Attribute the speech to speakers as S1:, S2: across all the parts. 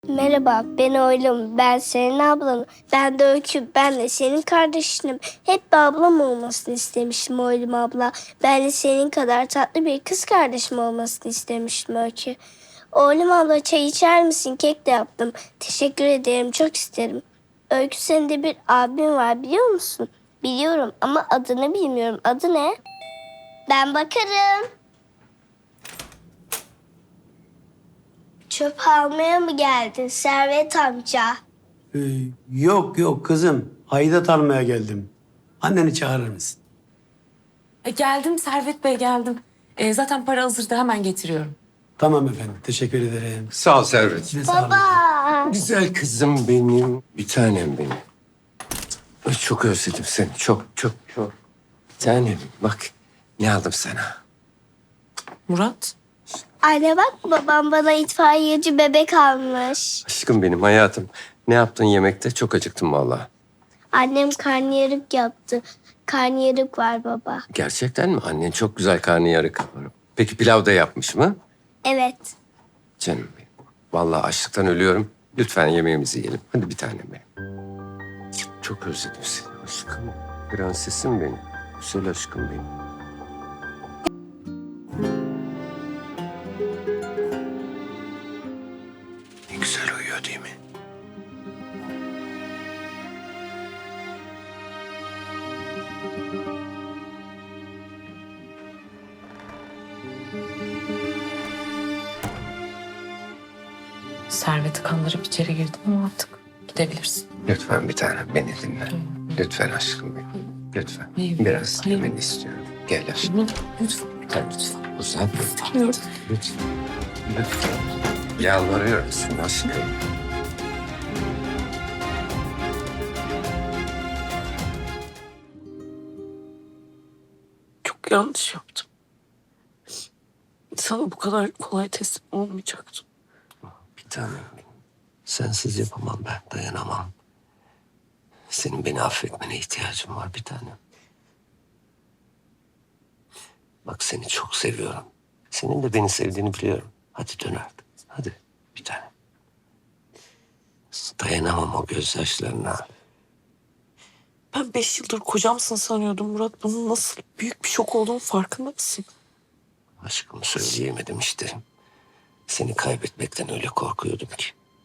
S1: Merhaba, ben oğlum. Ben senin ablanım. Ben de Öykü. Ben de senin kardeşinim. Hep bir ablam olmasını istemiştim oğlum abla. Ben de senin kadar tatlı bir kız kardeşim olmasını istemiştim Öykü. Oğlum abla çay içer misin? Kek de yaptım. Teşekkür ederim, çok isterim. Öykü senin de bir abin var biliyor musun? Biliyorum ama adını bilmiyorum. Adı ne? Ben bakarım. Çöp almaya mı geldin Servet amca?
S2: Ee, yok kızım. Aidat almaya geldim. Anneni çağırır mısın?
S3: Geldim Servet Bey geldim. Zaten para hazırdı hemen getiriyorum.
S2: Tamam efendim. Teşekkür ederim.
S4: Sağ ol Servet.
S2: Size sağ olun.
S1: Baba.
S4: Güzel kızım benim, bir tanem benim. Ay, çok özledim seni, çok. Bir tanem, bak ne aldım sana.
S3: Murat.
S1: Anne bak babam bana itfaiyeci bebek almış.
S4: Aşkım benim, hayatım. Ne yaptın yemekte? Çok acıktım vallahi.
S1: Annem karnıyarık yaptı. Karnıyarık var baba.
S4: Gerçekten mi? Annen çok güzel karnıyarık yapar. Peki pilav da yapmış mı?
S1: Evet.
S4: Canım benim. Vallahi açlıktan ölüyorum. Lütfen yemeğimizi yiyelim. Hadi bir tanem benim. Çok özledim seni aşkım. Prensesim benim. Güzel aşkım benim. Ne güzel uyuyor değil mi?
S3: Servet'i kandırıp içeri girdim ama artık gidebilirsin.
S4: Lütfen bir tanem beni dinle. Lütfen aşkım benim. Lütfen.
S3: Hayır.
S4: Biraz
S3: Hayır.
S4: dinlemeni istiyorum. Gel aşkım.
S3: Lütfen.
S4: Lütfen. Uzat.
S3: İstemiyorum.
S4: Lütfen. Lütfen. Yalvarıyorum sana aşkım.
S3: Çok yanlış yaptım. Sana bu kadar kolay teslim olmayacaktım.
S4: Bir tanem benim. Sensiz yapamam ben. Dayanamam. Senin beni affetmene ihtiyacım var bir tanem. Bak seni çok seviyorum. Senin de beni sevdiğini biliyorum. Hadi dön artık. Hadi bir tanem. Dayanamam o gözyaşlarına.
S3: Ben 5 yıldır kocamsın sanıyordum Murat. Bunun nasıl büyük bir şok olduğunun farkında mısın?
S4: Aşkımı söyleyemedim işte. Seni kaybetmekten öyle korkuyordum ki.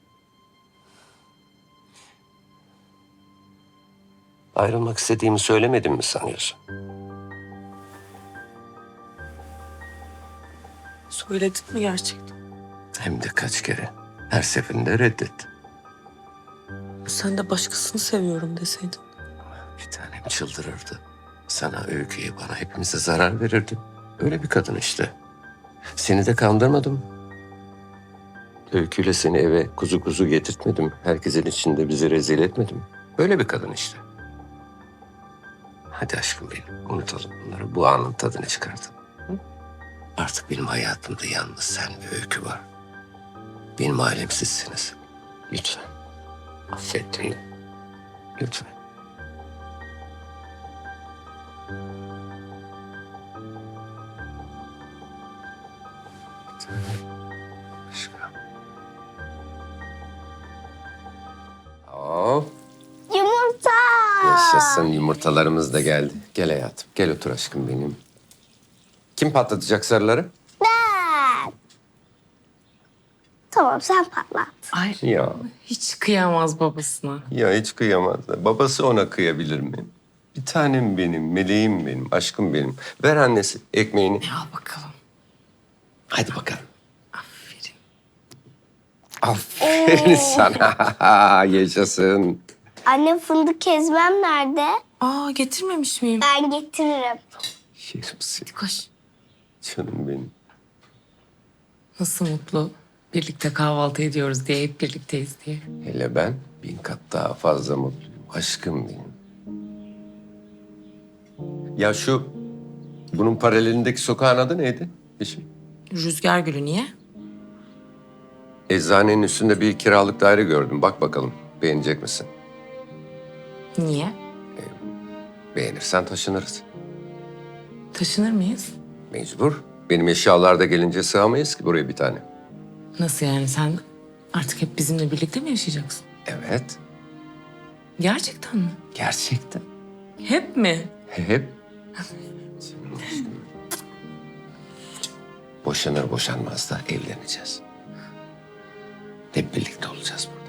S4: Ayrılmak istediğimi söylemedim mi sanıyorsun?
S3: Söyledin mi gerçekten?
S4: Hem de kaç kere. Her seferinde reddet.
S3: Sen de başkasını seviyorum deseydin.
S4: Bir tanem çıldırırdı. Sana, Öykü'ye, bana hepimize zarar verirdi. Öyle bir kadın işte. Seni de kandırmadım. Öyküyle seni eve kuzu kuzu getirtmedim. Herkesin içinde bizi rezil etmedim. Böyle bir kadın işte. Hadi aşkım benim, unutalım bunları. Bu anın tadını çıkartalım. Hı? Artık benim hayatımda yalnız sen ve Öykü var. Benim ailem sizsiniz. Lütfen. Affet beni. Lütfen. Aşkım. Hop.
S1: Yumurta.
S4: Yaşasın, yumurtalarımız da geldi. Gel hayatım, gel otur aşkım benim. Kim patlatacak sarıları?
S1: Ben. Tamam sen patlat.
S3: Ay
S4: Ya,
S3: hiç kıyamaz babasına.
S4: ya hiç kıyamaz. Babası ona kıyabilir mi? Bir tanem benim, meleğim benim, aşkım benim. Ver annesi ekmeğini.
S3: Al bakalım.
S4: Hadi bakalım.
S3: Aferin.
S4: Aferin sana. Yaşasın.
S1: Anne fındık ezmem nerede?
S3: Aa getirmemiş miyim?
S1: Ben getiririm.
S4: Yerim seni,
S3: Koş.
S4: canım benim.
S3: Nasıl mutlu. Birlikte kahvaltı ediyoruz diye, hep birlikteyiz diye.
S4: Hele ben 1000 kat daha fazla mutluyum. Aşkım benim. Ya bunun paralelindeki sokağın adı neydi? Eşim.
S3: Rüzgar gülü niye?
S4: Eczanenin üstünde bir kiralık daire gördüm. Bak bakalım beğenecek misin?
S3: Niye?
S4: Beğenirsen taşınırız.
S3: Taşınır mıyız?
S4: Mecbur. Benim eşyalar da gelince sığamayız ki buraya bir tane.
S3: Nasıl yani sen Artık hep bizimle birlikte mi yaşayacaksın?
S4: Evet,
S3: Gerçekten mi?
S4: gerçekten.
S3: Hep mi?
S4: Hep. Boşanır boşanmaz da evleneceğiz. Hep birlikte olacağız burada.